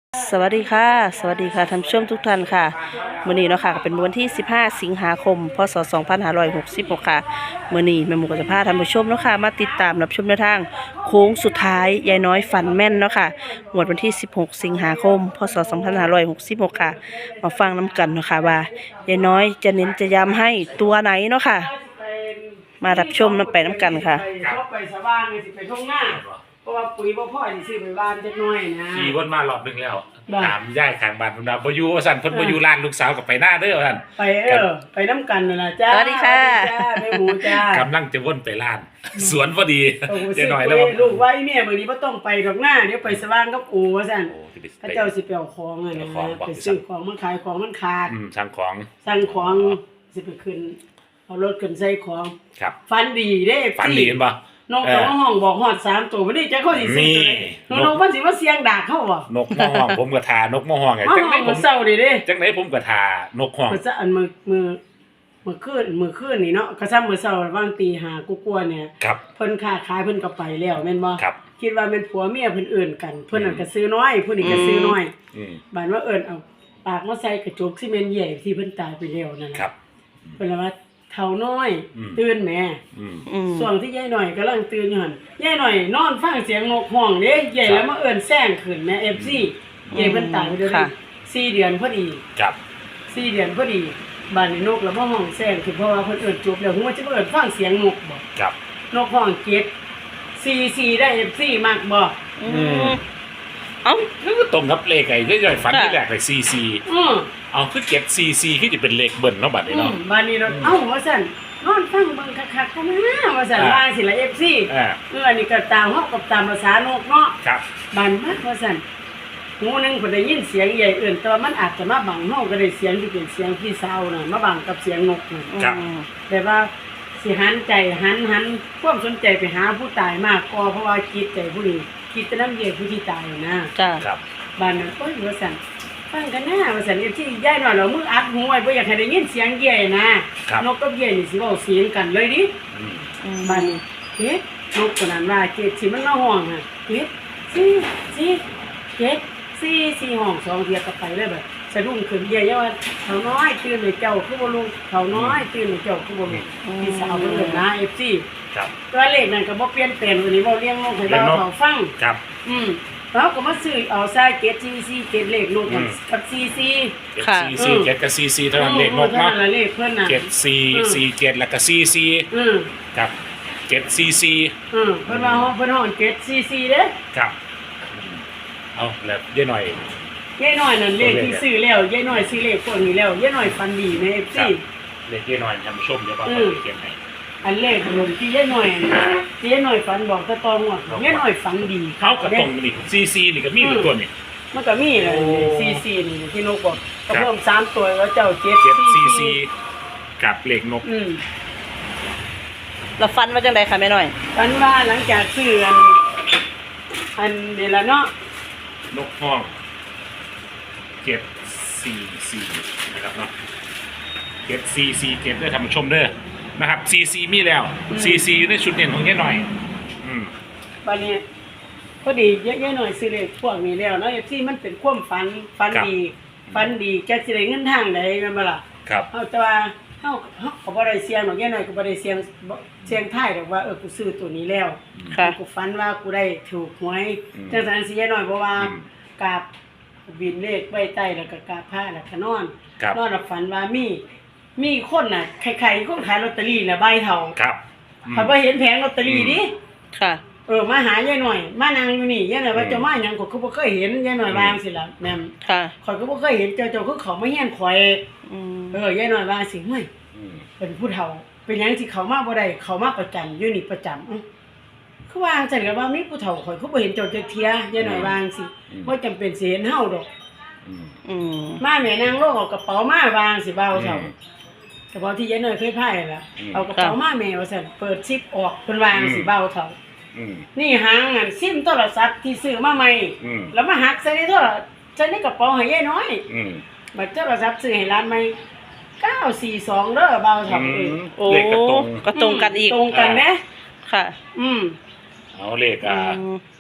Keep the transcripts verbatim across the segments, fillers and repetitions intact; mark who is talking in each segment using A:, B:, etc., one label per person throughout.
A: สวัสดีค่ะสวัสดีค่ะท่านผู้ชมทุกท่านค่ะมื้อนี้เนาะค่ะก็เป็นวันที่สิบห้าสิงหาคมพศสองพันห้าร้อยหกสิบหกค่ะมื้อนี้แม่หมูก็จะพาท่านผู้ชมเนาะค่ะมาติดตามรับชมแนวทางโค้งสุดท้ายยายน้อยฝันแม่นเนาะค่ะงวดวันที่สิบหกสิงหาคมพศสองพันห้าร้อยหกสิบหกค่ะมาฟังน้ำกันเนาะค่ะว่ายายน้อยจะเน้นจะย้ำให้ตัวไหนเนาะค่ะมารับชมน้ำไปน้ำกันค่ะ
B: เขาไปสว่างเลยสิไปท่องหน้าเพราะว่าปุ๋ยบ่พ่อสิซื้อไปบ้านจักหน่อยนะ
C: ขี่วนมารอบนึงแล้วถามย่ายข้างบ้านเพิ่นว่าบ่อยู่ว่าซั่นเพิ่นบ่อยู่ร้านลูกสาวก็ไปหน้าเด้อว่าซั่น
B: ไปเออไปน้ำกันนั่นล่ะจ้า
A: สวัสดีค่ะ
B: จ้าแม่หมูจ้าก
C: ำลังจะวนไปร้านสวนพอดีเจ๊หน่อยแล้ว
B: ลูกไว้เนี่ยมื้อนี้บ่ต้องไปดอกหน้าเดี๋ยวไปสว่างกับอู่ว่าซั่นพระเจ้าสิไปเอาของอ่ะนะไปซื้อของมันขายของมันขาด
C: อืมสั่งของ
B: สั่งของสิไปขึ้นเอารถขึ้นใส่ของ
C: ครับ
B: ฝันดีเด้
C: ฝันดีเห็นบ่
B: นกตัวห้องบอกฮอดสามตัวบ่ได้จักเขาสิซื้อตัวใดนกมันสิว่าเสียงดากเขาบ่
C: นกมอห้องผมก็ทานกมอห้องไง
B: จังได๋ผมเศร้าดิเด้
C: จังได๋ผมก็ทานกห้อง
B: มื้อซะอันมื้อมื้อมื้อคืนมื้อคืนนี่เนาะก็ซ้ํมื้อเช้าว่างตีห้ากว่าๆเนี่ยเพิ่นค้าขายเพิ่นก็ไปแล้วแม่นบ่คิดว่าแม่นผัวเมียเพิ่นเอิ้นกันเพิ่นนั่นก็ซื้อน้อยผู้นี้ก็ซื้อน้อยบัดว่าเอิ้นเอาปากมาใส่กระจกซีเมนต์ใหญ่ที่เพิ่นตายไปแล้วนั่นครับเพิ่นว่าเฒ่าน้อยตื่นแม่ช่วงที่ยายหน่อยกำลังตื่นอยู่หั่นยายหน่อยนอนฟังเสียงนกฮ้องเด้ใหญ่แล้วมาเอิ้นแซงขึ้นแม่ เอฟ ซี ใหญ่เพิ่นตายไปเดือนสี่เดือนพอดี
C: ครับ
B: สี่เดือนพอดีบ้านนี้นกแล้วมาฮ้องแซงขึ้นเพราะว่าเพิ่นเอิ้นจบแล้วฮู้ว่าจะเอิ้นฟังเสียงนกบ่
C: ครับ
B: นกฮ้องเจ็ด สี่ สี่ได้ เอฟ ซี มักบ่
C: อืมเอ้าคือตรงกับเลขไอ้ย่อยๆฝันที่แรกเลยสี่ สี่
B: อือ
C: เอาคือเก็บสี่ สี่คือจะเป็นเลขเบิ้ลเนาะบัดนี้เนาะ
B: บ้านนี้เนาะเอ้าว่าซั่นนอนฟังเบิ่งคักๆกันนะว่าซั่นว่าสิละ เอฟ ซี เอออันนี้ก็ตามเฮากับตามภาษานกเนาะ
C: ครับ
B: บ้านมาว่าซั่นหูนึงเพิ่นได้ยินเสียงใหญ่เอิ้นแต่ว่ามันอาจจะมาบังเฮาก็ได้เสียงที่เป็นเสียงพี่สาวน่ะมาบังกับเสียงนกน่ะ
C: ครับ
B: แต่ว่าสิหันใจหันหันความสนใจไปหาผู้ตายมากกว่าเพราะว่าคิดใจผู้นี้คิดแต่นำใหญ่ผู้ที่ตายนะ
A: จ้ะ
C: ครับ
B: บ้านนั้นโอ้ยว่าซั่นฟังกันนะว่าซั่นที่ยายน้อยเรามืออัดหูไว้บ่อยากให้ได้ยินเสียงใหญ่นะนกกับใหญ่นี่สิเว้าเสียงกันเลยดิอืมบ้านนี้เฮ็ดนกตัวนั้นว่าเจ็ดสิมันมาห้องอ่ะเฮ็ดสี่สี่เจ็ดสี่สี่ห้องสองเทียก็ไปเลยแบบสะดุ้งขึ้นใหญ่ๆว่าเฒ่าน้อยตื่นเลยเจ้าคือบ่ลุกเฒ่าน้อยตื่นเลยเจ้าคือบ่ลุกพี่สาวเพิ่นเอิ้นนะ เอฟ ซี
C: ครับ
B: ตัวเลขนั้นก็บ่เปลี่ยนแปลงวันนี้เว้าเลี้ยงนกให้เราเฒ่าฟัง
C: ครับ
B: อืมเราก็มาซื้อเอาใส่เจ็ด สี่ สี่ เจ็ดเลขนกกับสี่ สี่
C: ค่ะสี่ สี่ เจ็ดกับสี่ สี่เท่านั้นเลขนกเนาะ
B: เลขเพิ่นน่ะ
C: เจ็ด สี่ สี่ เจ็ดแล้วก็สี่ สี่
B: อือ
C: ครับเจ็ด สี่ สี่
B: อือเพิ่นว่าเพิ่นฮ้อนเจ็ด สี่ สี่เด้อ
C: ครับเอาแล้วยายหน่อย
B: ยายน้อยนั่นเลขที่ซื้อแล้วยายน้อยซื้อเลขพวกนี้แล้วยายน้อยฟันดีใน เอฟ ซี
C: เลขยายหน่อยท่านผู้ชมเดี๋ยวบ่เขียนให้
B: อันเลขลงที่ยายน้อยที่ยายน้อยฝันบอกตะตองว่ายายน้อยฝันดี
C: เขาก็ตรงนี่สี่ สี่นี่ก็มีตัวนี่
B: มันก็มีเลยสี่ สี่นี่ที่นกบอกก็เพิ่มสามตัวแล้วเจ้าเจ็ด
C: สี่ สี่กับเลขนก
B: อืม
A: แล้วฟันว่าจังได๋ค่ะแม่น้อย
B: ฝันว่าหลังจากซื้ออันอันนี่ล่ะเนาะ
C: นกห้องเจ็ด สี่ สี่นะครับเนาะเจ็ด สี่ สี่ เจ็ดด้วยท่านผู้ชมเด้อนะครับสี่ สี่มีแล้วสี่ สี่อยู่ในชุดเด่นของยายหน่อยอืม
B: บัดนี้พอดียายน้อยซื้อเลขพวกนี้แล้วเนาะ เอฟ ซี มันเป็นความฝันฝันดีฝันดีจักสิได้เงินทางใดแม่นบ่ล่ะ
C: ครับ
B: เฮาแต่ว่าเฮาเฮาก็บ่ได้เสี่ยงดอกยายน้อยก็บ่ได้เสี่ยงเสี่ยงทายดอกว่าเออกูซื้อตัวนี้แล้วกูฝันว่ากูได้ถูกหวยจังซั่นสิยายน้อยบ่ว่ากราบบินเลขไว้ใต้แล้วก็กราบพระแล้วก็นอนนอนแล้วฝันว่ามีมีคนน่ะใครๆคนขายลอตเตอรี่น่ะใบเฒ่า
C: ครับ
B: เพิ่นบ่เห็นแผงลอตเตอรี่ดิ
A: ค่ะ
B: เออมาหายายหน่อยมานั่งอยู่นี่ยายหน่อยว่าเจ้ามาหยังก็คือบ่เคยเห็นยายหน่อยวาจังซี่ล่ะแม่น
A: ค่ะ
B: ข่อยก็บ่เคยเห็นเจ้าเจ้าคือเขามาเฮียนข่อย
A: อืม
B: เออยายหน่อยว่าสิเฮ้ยเป็นผู้เฒ่าเป็นหยังสิเขามาบ่ได้เขามาประจำอยู่นี่ประจำอื้อคือว่าจังก็ว่ามีผู้เฒ่าข่อยคือบ่เห็นเจ้าจักเที่ยยายหน่อยว่าจังซี่บ่จำเป็นสิเห็นเฮาดอก
A: อืม
B: มาแม่นางโลกเอากระเป๋ามาวางสิบ่าวเฒ่าเฉพาะที่ยายหน่อยเคยพายล่ะเอากระเป๋ามาแม่ว่าซั่นเปิดซิปออกเพิ่นวางสิบ่าวเฒ่านี่หางอันซิมโทรศัพท์ที่ซื้อมาใหม่แล้วมาหักใส่ในโทรศัพท์ใส่ในกระเป๋าให้ยายน้อยบัดโทรศัพท์ซื้อให้ร้านใหม่เก้า สี่ สองเด้อบ่าวเฒ่าเอ้ย
A: โอ้ก็ตรงกันอีก
B: ตรงกันแหม
A: ค่ะ
B: อืม
C: เอาเลขอ่า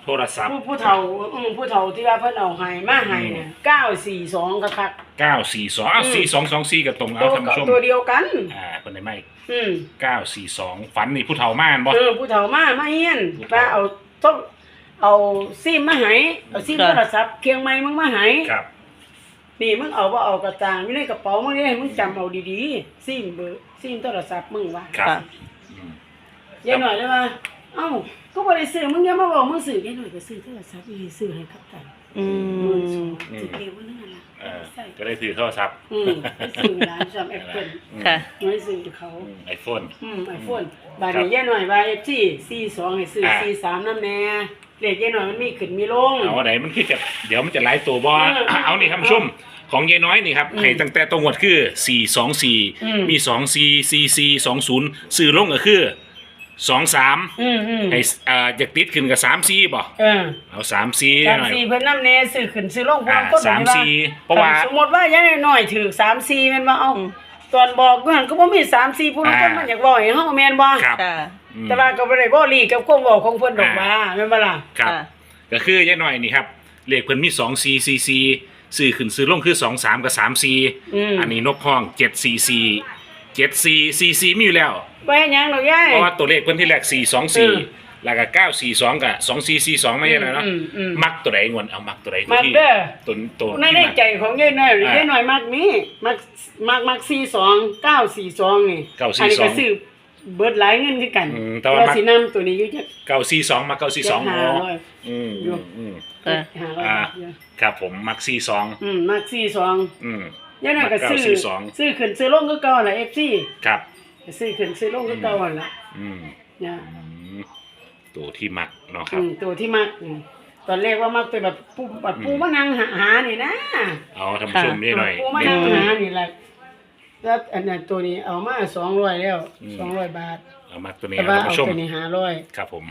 C: โทรศัพท์
B: ผู้ผู้เฒ่าอืมผู้เฒ่าที่ว่าเพิ่นเอาให้มาให้เนี่ยเก้าสี่สองก็คัก
C: เก้าสี่สองอ้าวสี่สองสองสี่กับตรง
B: ตั
C: เอา
B: ว
C: ท่านผู้ชม
B: ตัวเดียวกัน
C: อ่าคนไหนไม่
B: อืม
C: เก้าสี่สองฝันนี่ผู้เฒ่าม่านบ่
B: เออผู้เฒ่ามามาเฮียน
C: ผู้เฒ่า
B: ว่าเอาต้องเอาซิมมาให้เอาซิม
A: ครับ
B: โทรศัพท์เคียงไม้มึงมาให้
C: ครับ
B: นี่มึงเอาบ่เอากระตางอยู่ในกระเป๋ามึงนี่มึงจำเอาดีๆซิมเบอร์ซิมโทรศัพท์มึงว่า
C: ครับ
A: ค่ะ
C: อืม
B: ยายหน่อยเลยว่าเอ้าก็บ่ได้ซื้อมึงอย่ามาบอกมึงซื้อยายหน่อยก็ซื้อโทรศัพท์อีซื้อให้กับตัน
A: อื
B: หมื่นสอ
A: ม
B: งสิเร็วนั่นน่ะ
C: เออ
B: ใส่
C: ก็ได้ถือโทรศัพท์
B: อืมไปซื้อร้านซัมแอปเปิ้ล
A: ค่ะ
B: น้อยซื้อเขา
C: ไอโฟน
B: อืมไอโฟนบาดนี้ยายหน่อยว่า เอฟ ซี สี่สองให้ซื้อ
C: อ่า
B: สี่สามนำแน่เลขยายหน่อยมันมีขึ้นมีลง
C: เอาไหนมันคือจะเดี๋ยวมันจะไล่ตัวบ่
B: เออ
C: อ่ะเอานี่ครับผู้ชมของยายน้อยนี่ครับ
B: อืม
C: ให้ตั้งแต่ตรงวดคือสี่สองสี่
B: อืม
C: มีสองสี่สี่สี่สองศูนย์ซื้อลงก็คือสองสาม
B: อืมอืม
C: ให้อ่าอยากติดขึ้นกับสามสี่บ่
B: เออ
C: เอาสามสี่
B: สาม
C: หน่อย
B: สี่เพิ่นนำแน่ซื้อขึ้นซื้อลง
C: อ่า
B: ต้น
C: สามสี่เพราะว่า
B: สมมุติว่ายายหน่อยถือสามสี่แม่นบ่เอา
A: อืม
B: ตอนบอกอยู่หั่นก็บ่มีสามสี่ผู้ลางคน
C: อ่ามั
B: มันอยากบอกให้เฮาแม่นบ่
C: ครับ
A: ค่ะ
C: อืม
B: แต่ว่าก็บ่ได้บ่ลีกับความเว้าของเพิ่นดอกว่าแม่นบ่ล่ะ
C: ครับ
A: ค่ะ
C: ก็คือยายน้อยนี่ครับเลขเพิ่นมีสองสี่สี่สี่ซื้อขึ้นซื้อลงคือสองสามกับสามสี่
B: อืม
C: อันนี้นกห้องเจ็ดสี่สี่เจ็ดสี่สี่สี่มีอยู่แล้ว
B: บ่เฮ็ดหยังดอกยาย
C: เพราะว่าตัวเลขเพิ่นที่แรกสี่สอง
B: อื
C: สี่
B: ม
C: แล้วก็เก้าสี่สองกับสองสี่สี่สองไม่ใช่เหรอเนาะ
B: อืมอืม
C: มักตัวใดงวนเอามักตัวใดตัว
B: มัก
C: ที่
B: เด้อ
C: ตัวตัว
B: ใน
C: ที่
B: ใน
C: มัก
B: ใจของยายหน่อย
C: อ่าย
B: ายหน่อยมักมีมักมักมักสี่สองเก้าสี่สองนี่
C: เก้าสี่
B: อันนี้
C: สอ
B: ก็
C: ง
B: ซื้อเบิดหลายเงินคือกัน
C: อืมแต่ว่ามัก
B: สินำตัวนี้อยู่จัก
C: เก้าสี่สองมาเก้าสี่สอง
B: เจ็ด
C: อ๋
B: ห้า
C: อ
B: ร้อย
C: อืม
B: อยู่
C: อืม
A: ค่ะ
B: ห้าร้อย
C: อ่า
B: บาทอยู่
C: ครับผมมักสี่สอง
B: อืมมักสี่สอง
C: อืม
B: ยายหน่อยก็ซื้อ
C: มักเก้าสี่สอง
B: ซื้อขึ้นซื้อลงคือเก่าแหละ เอฟ ซี
C: ครับ
B: ซื้อขึ้นซื้อลงคือเก่าหั่นล่ะ
C: อืม
B: เนี่ย
C: อืมตัวที่มักเนาะค
B: อื
C: รับ
B: มตัวที่มักอืมตอนแรกว่ามักเป็นแบบปูแบบปูมะนางหาหานี่นะ
C: เอาท่านผู้ชมนี่หน่อย
B: ปูมะนางหานี่แหละแล้วอันนั้นตัวนี้เอามาสองร้อยแล้ว
C: อืม
B: สองร้อยบาท
C: เอามักตัวนี้
B: แต่
C: นะ
B: ว่า
C: ท่าน
B: เอา
C: ผู้ชม
B: ตัวนี้ห้าร้อย
C: ครับผม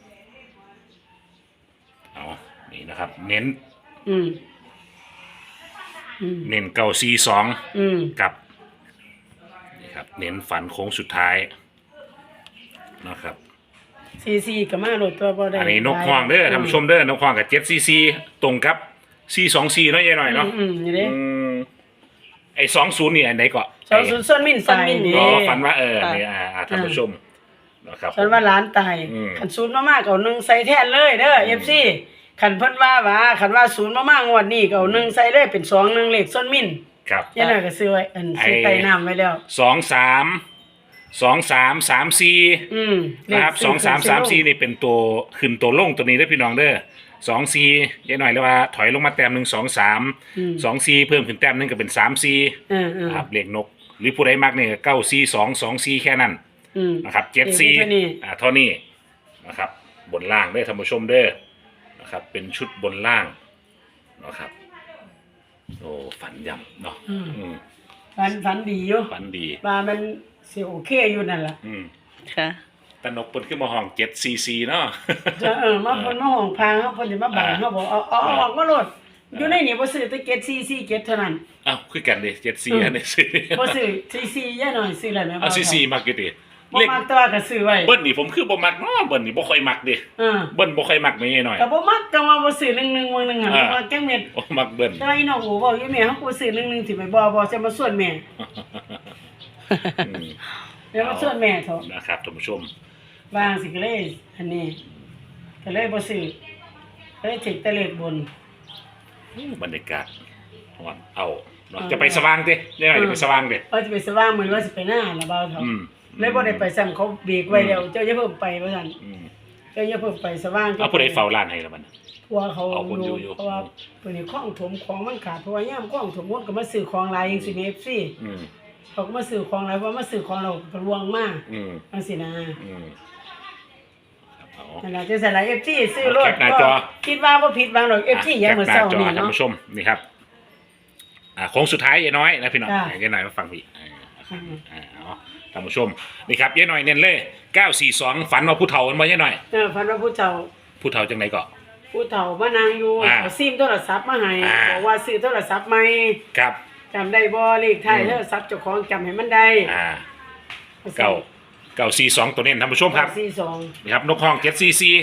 C: เอานี่นะครับ เน้น
B: อืมอืม
C: เน้นเก้าสี่สอง
B: อืม
C: กับนี่ครับเน้นฝันโค้งสุดท้ายนะครับ
B: ซีซีก็มาโหลดตัวบ่ได้
C: อันนี้นกควางเด้อท่านผู้ชมเด้อนกควางกับเจ็ดซีซีตรงกับซีสองซีเนาะยายหน่อยเนาะ
B: อืมนี่เด้
C: อืมไอ้สองศูนย์นี่อันไหนเกาะ
B: สองศูนย์ส่วนมินตายนี่
C: ก็ฝันว่าเออ
A: ค่ะ
C: นี่อ่าอ่าท่านผู้ชมนะครับ
B: ฉันว่าร้านตาย
C: อืม
B: ขันศูนย์มามากเอาหนึ่งใส่แทนเลยเด้อเอฟซีขันเพิ่นว่าว่าขันว่าศูนย์มามากงวดนี้ก็เอาหนึ่งใส่เลยเป็นสองหนึ่งเลขส่วนมิน
C: ครับ
B: ยันน่ะก็ซื้อไว้อันซื้อไต่น้ำไว้แล้ว
C: สองสามสองสามสามซี
B: อืมเลข
C: นะครับสองสามสามซี
B: ซื้อ
C: นี่เป็นตัวขึ้นตัวลงตัวนี้เด้อพี่น้องเด้อสองซียายหน่อยเลยว่าถอยลงมาแต้มหนึ่งสองสาม
B: อืม
C: สองซีเพิ่มขึ้นแต้มหนึงก็เป็นสามซี
B: เออเออ
C: ครับเลขนก หรือผู้ใดมักเนี่ยเก้าซีสองสองซีแค่นั้น
B: อืม
C: นะครับเจ็ดซี
B: เท่านี้
C: อ่าเท่านี้นะครับบนล่างเด้อท่านผู้ชมเด้อนะครับเป็นชุดบนล่างนะครับโอ้ฝันยำเนาะ
B: อืม
C: อืม
B: ฝันฝันดีอยู่
C: ฝันดี
B: ว่ามันสิโอเคอยู่นั่นล่ะ
C: อืม
A: ค่ะ
C: ตนกเปิ้นขึ้นมาห้องเจ็ดซีซีเนาะ
B: จะเออมาเพิ่นมาห้องพางเฮาเพิ่นสิมาบังเฮาบอกเอาเอาเอาออกมาโลดอยู่ในนี่บ่ซื้อแต่เจ็ดสี่สี่เจ็ดเท่านั้น
C: อ้าวคือกันเด้เจ็ดซี
B: อืม
C: อันนี้ซื้อ
B: บ่ซื้อสี่สี่ย่าหน่อยซื้อแล้วแม่
C: เอาซีซีมักอยู่ดิ
B: บ่
C: เลข
B: มักแตัวาก็ซื้อไว้
C: เบิ้ลนี่ผมคือบ่มักเนาะเบิ้ลนี่บ่ค่อยมักเด้
B: เออ
C: เบิ้ลบ่ค่อยมักแม่หน่อย
B: ก็บ่มักจังว่าบ่ซื้อหนึ่งหนึ่งมื้อหนึงหั่น
C: อ่า
B: บ่มักจังเม็ด
C: โอ้มักเบิ้ล
B: แต่ว่าอีน้องโอ้บอกอยู่แม่เฮากูซื้อหนึ่งหนึ่งสิไปบ่บ่จะมาส่วนแม่
C: อืม
B: แล้วมาส่วนแม่เถอะ
C: นะครับท่านผู้ชม
B: วางสิก็เลยอันนี้ก็เลยบ่ซื้อก็เลยถึกแต่เลขบน
C: บรรยากาศฮ้อนเอาเนาะจะไปสว่างเด้ได้หน่อยจะไปสว่างเด้
B: ว่าจะไปสว่างมื้อว่าสิไปหน้าละเบาเถอะ
C: อืม
B: เลยบ่ได้ไปซ้ำเขาเบรกไว้แล้วเจ้าอย่าเพิ่มไปว่าซั่น
C: อืม
B: เจ้าอย่าเพิ่มไปสว่าง
C: เอาผู้ใดเฝ้าร้านให้ละมัน
B: เพราะว่าเขา
C: เอาคนอยู่อยู่
B: เพราะว่าตัวนี้ของถมของมันขาดเพราะว่ายามของถมหมดก็มาซื้อของหลายจังซี่แม่ เอฟ ซี
C: อืม
B: เขาก็มาซื้อของหลายเพราะว่ามาซื้อของเราก็ลวงมา
C: อืม
B: จังซี่นะ
C: อืมครับเอา
B: นั่นล่ะจังซั่นล่ะ เอฟ ซี ซื้อรถ
C: แคปหน้าจอ
B: คิดว่าบ่ผิดหวังหรอก เอฟ ซี ยังมื้อเช้า
C: แคปห
B: นี่
C: น้าจอท่าน
B: เนาะ
C: ผู้ชมนี่ครับอ่าโค้งสุดท้ายยายน้อยนะพี่น้อง
B: จ้ะ
C: ยายน้อยมาฟังพี่อ่า
B: อืม
C: อ่าเอาท่านผู้ชมนี่ครับยายน้อยเน้นเลยเก้าสี่สองฝันว่าผู้เฒ่ามันบ่ยายน้อย
B: เออพันว่าผู้เฒ่า
C: ผู้เฒ่าจังไหนก็
B: ผู้เฒ่ามานั่งอยู่
C: อ่า
B: เอาซิมโทรศัพท์มาให้
C: อ่า
B: บอกว่าซื้อโทรศัพท์ใหม่
C: ครับ
B: จำได้บ่เลขท้าย
C: อืม
B: โทรศัพท์เจ้าของจำให้มันได้
C: อ่าเก้าเก้าสี่สองตัวเน้นท่านผู้ชมครับ
B: สี่สอง
C: นี่ครับนกห้องเจ็ดซีซี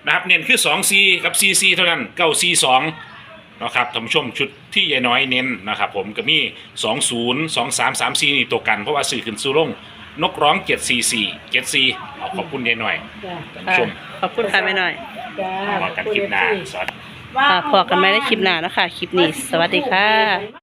C: นะครับเน้นคือสองซีกับซีซีเท่านั้นเก้าซีสองนะครับท่านผู้ชมชุดที่ยายน้อยเน้นนะครับผมก็มีสองศูนย์สองสามสามซีนี่ตัวกันเพราะว่าสื่อขึ้นสู่ลงนกร้องเจ็ดสี่สี่เจ็ดสี่เอาขอบคุณยายน้อย
B: จ้ะ
C: ท่านผู้ชม
A: ขอบคุณค่ะแม่น้อย
B: จ้า
C: มากันคลิปหน้าสวัสดี
A: ค่ะพอกันไหมในคลิปหน้านะคะคลิปนี้สวัสดีค่ะ